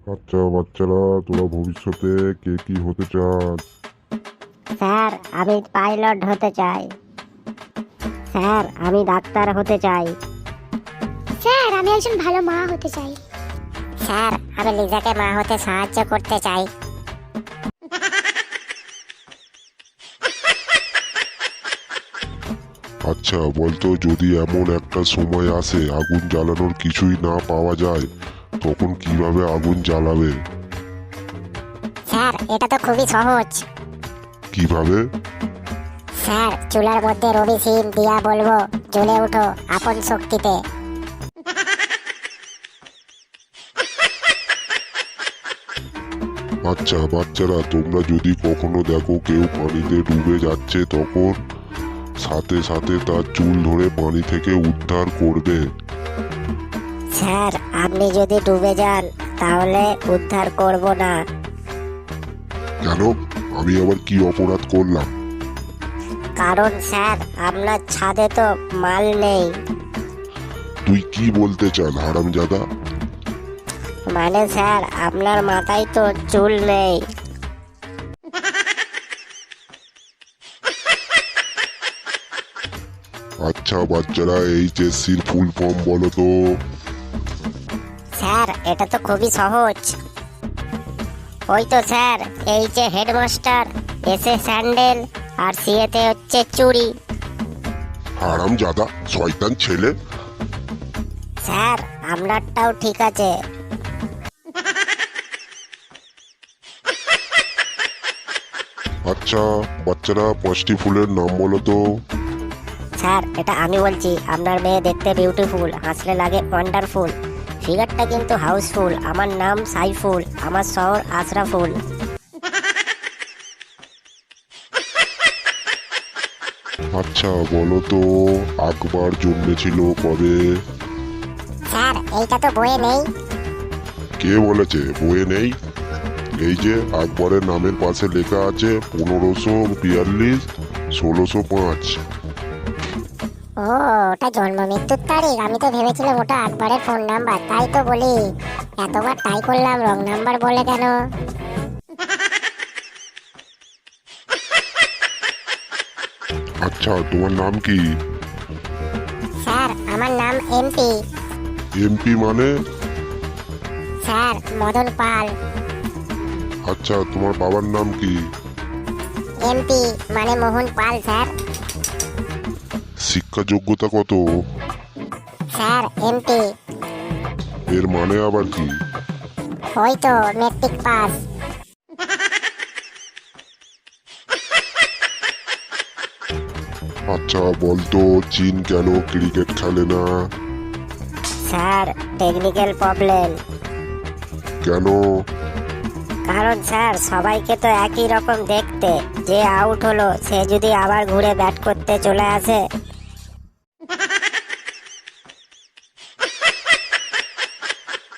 আচ্ছা বাচ্চারা, তোরা ভবিষ্যতে কে কি হতে চাস? স্যার, আমি পাইলট হতে চাই। স্যার, আমি ডাক্তার হতে চাই। স্যার, আমি একজন ভালো মা হতে চাই। স্যার, আমি লিজাকে মা হতে সাহায্য করতে চাই। আচ্ছা বলতো, যদি এমন একটা সময় আসে আগুন জ্বালানোর কিছুই না পাওয়া যায়, তখন কিভাবে আগুন জ্বালাবে? স্যার, এটা তো খুবই সহজ। কিভাবে? স্যার, চুলার মধ্যে রবি সিম দিয়া বলবো, জ্বলে উঠো আপন শক্তিতে। আচ্ছা বাচ্চারা, তোমরা যদি কখনো দেখো কেউ পানিতে ডুবে যাচ্ছে, তখন সাথে সাথে তার চুল ধরে পানি থেকে উদ্ধার করবে। স্যার, আপনি যদি ডুবে যান তাহলে উদ্ধার করব না। কেন? আমি আবার কি অপরাধ করলাম? কারণ স্যার, আপনার ছাদে তো মাল নেই। তুই কি বলতে চান হারামজাদা? মানে স্যার, আপনার মাথায় তো চুল নেই। আচ্ছা বাচ্চারা, এইচএসসির ফুল ফর্ম বলো তো। স্যার, এটা তো খুবই সহজ। ওই তো sir, H A headmaster, S A sandal, আর সি এতে হচ্ছে চুড়ি। হারামজাদা শয়তান ছেলে। স্যার, আপনারটাও ঠিক আছে। আচ্ছা বাচ্চারা, 5টি ফুলের নাম বলো তো। স্যার, এটা আমি বলছি। আপনার মেয়ে দেখতে বিউটিফুল, হাসলে লাগে ওয়ান্ডারফুল, ফিগারটা কিন্তু হাউসফুল। আমার নাম সাইফুল, আমার শহর আশরাফুল। আচ্ছা বলো তো, আকবর জন্মেছিল কবে? স্যার, এইটা তো বইয়ে নেই। কে বলেছে বইয়ে নেই? এই যে আকবরের নামের পাশে লেখা আছে 1542 1605। ও, ওটা জন্ম মৃত্যুর তারিখ। আমি তো ভেবেছিলাম ওটা আকবরের ফোন নাম্বার, তাই তো বলি এতবার ট্রাই করলাম, রং নাম্বার বলে কেন? আচ্ছা তোমার নাম কি? স্যার, আমার নাম এমপি। এমপি মানে? স্যার, মদন পাল। আচ্ছা তোমার বাবার নাম কি? এমপি মানে মোহন পাল স্যার। শিক্ষা যোগ্যতা কত? Sir, MP. এর মানে আবার কি? ওই তো মেট্রিক পাস। আচ্ছা বলতো, চীন কেন ক্রিকেট খেলে না? Sir, technical problem. কেন? কারণ স্যার, সবাইকে তো একই রকম দেখতে। যে আউট হলো সে যদি আবার ঘুরে ব্যাট করতে চলে আসে